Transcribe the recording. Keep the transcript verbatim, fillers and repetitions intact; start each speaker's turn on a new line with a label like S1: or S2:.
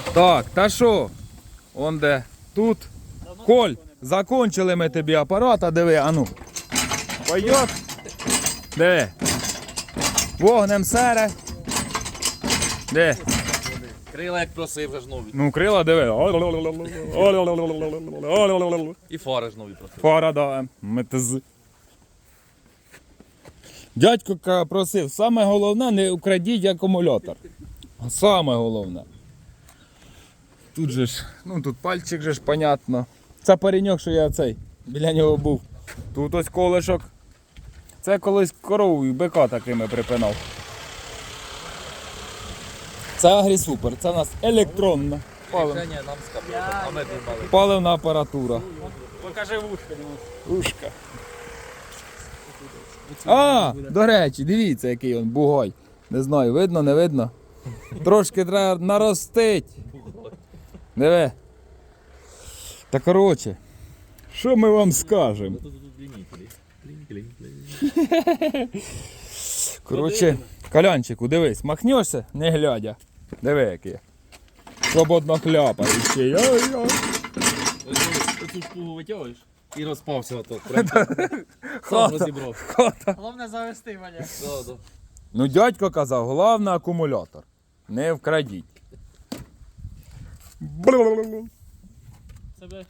S1: Так, та що? Он де? Тут. Коль, закончили ми тобі апарат, а диви, а ну. Пойдет. Диви. Вогнем сере. Де?
S2: Крила як просив, вже ж нові.
S1: Ну, крила диви.
S2: І фари ж нові просив.
S1: Фара, да. Метз. Дядько ка- просив, саме головне, не украдіть акумулятор. Саме головне. Тут же ж, ну тут пальчик же ж, понятно. Це пареньок, що я цей, біля нього був. Тут ось колишок. Це колись корову і бика такими припинав. Це Агрісупер, це у нас електронна палив-
S2: Рішення нам з капотом, а ми думали.
S1: паливна апаратура.
S3: Покажи вушка.
S1: Ушка. А, до речі, дивіться, який він бугой. Не знаю, видно, не видно. Трошки треба наростить. Диви. Та коротше, що ми вам скажемо? Коротше, Колянчику, дивись, махнешся, не глядя. Диви, який. Свободно хляпає ще. Ой-ой.
S2: Оцю шпугу витягуєш і розпався отак. Прям сам розібрав.
S3: Головне завести, Валя.
S2: Да, да.
S1: Ну, дядько казав, головне акумулятор. Не вкрадіть.
S3: Себе